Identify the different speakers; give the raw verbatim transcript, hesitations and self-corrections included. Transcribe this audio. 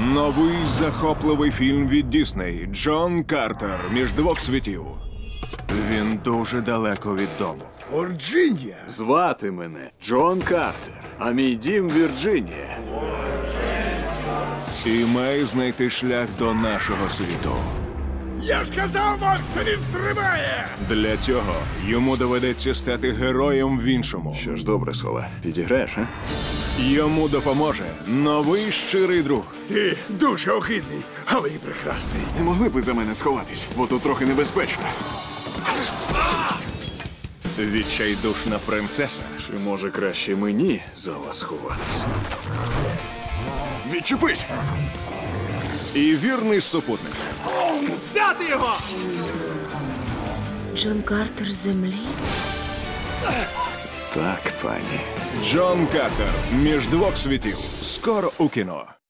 Speaker 1: Новий захопливий фільм від Дісней «Джон Картер. Між двох світів». Він дуже далеко від дому.
Speaker 2: Вірджинія.
Speaker 3: Звати мене Джон Картер, а мій дім Вірджинія.
Speaker 1: І має знайти шлях до нашого світу.
Speaker 2: Я ж казав вам, що він стрибає!
Speaker 1: Для цього йому доведеться стати героєм в іншому.
Speaker 3: Що ж, добре, Соле, підіграєш, а?
Speaker 1: Йому допоможе новий щирий друг.
Speaker 2: Ти дуже огидний, але і прекрасний.
Speaker 3: Не могли б ви за мене сховатись, бо тут трохи небезпечно.
Speaker 1: Відчайдушна принцеса.
Speaker 3: Чи може краще мені за вас ховатись? Відчепись!
Speaker 1: І вірний супутник.
Speaker 3: Взяти його!
Speaker 4: Джон Картер з землі?
Speaker 3: Так, пані.
Speaker 1: Джон Картер. Між двох світів. Скоро у кіно.